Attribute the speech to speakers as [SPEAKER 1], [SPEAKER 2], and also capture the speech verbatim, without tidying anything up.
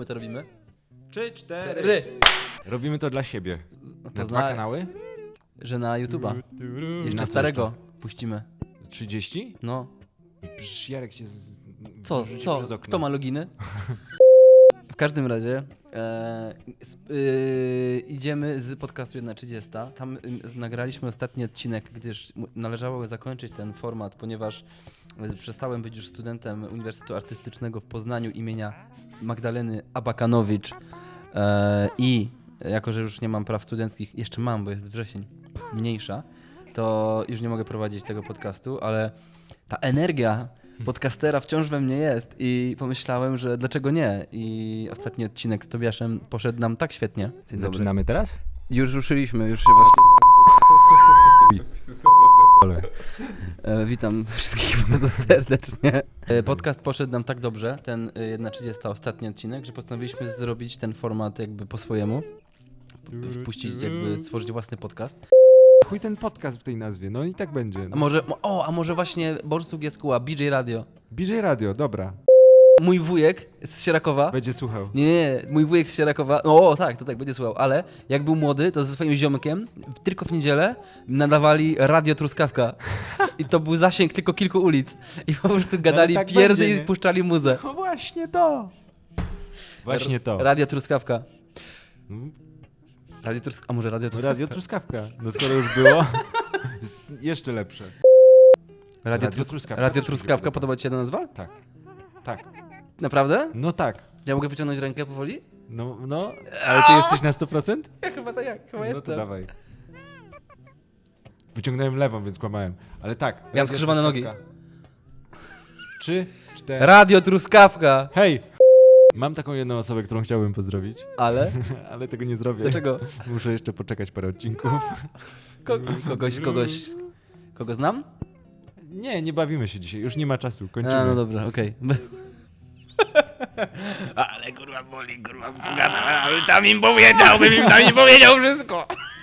[SPEAKER 1] my to robimy?
[SPEAKER 2] Trzy, cztery.
[SPEAKER 1] Ry.
[SPEAKER 2] Robimy to dla siebie.
[SPEAKER 1] No to
[SPEAKER 2] Na
[SPEAKER 1] zna,
[SPEAKER 2] dwa kanały?
[SPEAKER 1] że na YouTube'a. Jeszcze
[SPEAKER 2] Na co
[SPEAKER 1] starego
[SPEAKER 2] jeszcze?
[SPEAKER 1] puścimy.
[SPEAKER 2] trzydzieści?
[SPEAKER 1] No.
[SPEAKER 2] Przecież Jarek się z...
[SPEAKER 1] Co,
[SPEAKER 2] wyrzucił
[SPEAKER 1] co?
[SPEAKER 2] przez okno.
[SPEAKER 1] Kto ma loginy? W każdym razie e, sp, e, idziemy z podcastu jedna trzydzieści. Tam e, nagraliśmy ostatni odcinek, gdyż mu- należało zakończyć ten format, ponieważ e, przestałem być już studentem Uniwersytetu Artystycznego w Poznaniu imienia Magdaleny Abakanowicz e, i jako, że już nie mam praw studenckich, jeszcze mam, bo jest wrzesień, mniejsza, to już nie mogę prowadzić tego podcastu, ale ta energia podcastera wciąż we mnie jest i pomyślałem, że dlaczego nie? I ostatni odcinek z Tobiaszem poszedł nam tak świetnie. Dzień dobry.
[SPEAKER 2] Zaczynamy teraz?
[SPEAKER 1] Już ruszyliśmy, już się właśnie... E, witam wszystkich bardzo serdecznie. E, podcast poszedł nam tak dobrze, ten e, jedna trzydzieści ostatni odcinek, że postanowiliśmy zrobić ten format jakby po swojemu. P- Wpuścić jakby, stworzyć własny podcast.
[SPEAKER 2] Chuj ten podcast w tej nazwie, no i tak będzie.
[SPEAKER 1] A
[SPEAKER 2] No.
[SPEAKER 1] może, o, a może właśnie Borsuk Jeskuła, B J Radio.
[SPEAKER 2] B J Radio, dobra.
[SPEAKER 1] Mój wujek z Sierakowa.
[SPEAKER 2] Będzie słuchał.
[SPEAKER 1] Nie, nie, mój wujek z Sierakowa, no o, tak, to tak, będzie słuchał, ale jak był młody, to ze swoim ziomkiem w- tylko w niedzielę nadawali Radio Truskawka i to był zasięg tylko kilku ulic i po prostu gadali
[SPEAKER 2] tak
[SPEAKER 1] pierdy
[SPEAKER 2] będzie,
[SPEAKER 1] i
[SPEAKER 2] nie?
[SPEAKER 1] puszczali muzę.
[SPEAKER 2] No właśnie to. Właśnie to.
[SPEAKER 1] Radio Truskawka.
[SPEAKER 2] Mm,
[SPEAKER 1] Radio Truskawka, a może Radio Truskawka?
[SPEAKER 2] Radio Truskawka. No skoro już było, jest jeszcze lepsze.
[SPEAKER 1] Radio,
[SPEAKER 2] Radio
[SPEAKER 1] Trus-
[SPEAKER 2] Truskawka
[SPEAKER 1] Radio
[SPEAKER 2] też mi się
[SPEAKER 1] Truskawka,
[SPEAKER 2] podoba.
[SPEAKER 1] podoba ci się ta nazwa?
[SPEAKER 2] Tak. Tak.
[SPEAKER 1] Naprawdę?
[SPEAKER 2] No tak.
[SPEAKER 1] Ja mogę wyciągnąć rękę powoli?
[SPEAKER 2] No, no, ale ty jesteś na sto procent?
[SPEAKER 1] Ja chyba tak, jak, chyba
[SPEAKER 2] No
[SPEAKER 1] jestem.
[SPEAKER 2] to dawaj. Wyciągnąłem lewą, więc kłamałem. Ale tak.
[SPEAKER 1] Miałem
[SPEAKER 2] Radio
[SPEAKER 1] skrzyżowane nogi.
[SPEAKER 2] Truskawka. Trzy, cztery.
[SPEAKER 1] Radio Truskawka!
[SPEAKER 2] Hej! Mam taką jedną osobę, którą chciałbym pozdrowić,
[SPEAKER 1] Ale?
[SPEAKER 2] ale tego nie zrobię.
[SPEAKER 1] Dlaczego?
[SPEAKER 2] Muszę jeszcze poczekać parę odcinków.
[SPEAKER 1] Ko- kogoś, kogoś, kogo znam?
[SPEAKER 2] Nie, nie bawimy się dzisiaj, już nie ma czasu, kończymy.
[SPEAKER 1] A, no dobrze, okej.
[SPEAKER 3] Ale kurwa boli, kurwa, pogadałem, ale tam im powiedział, bym im tam nie powiedział wszystko.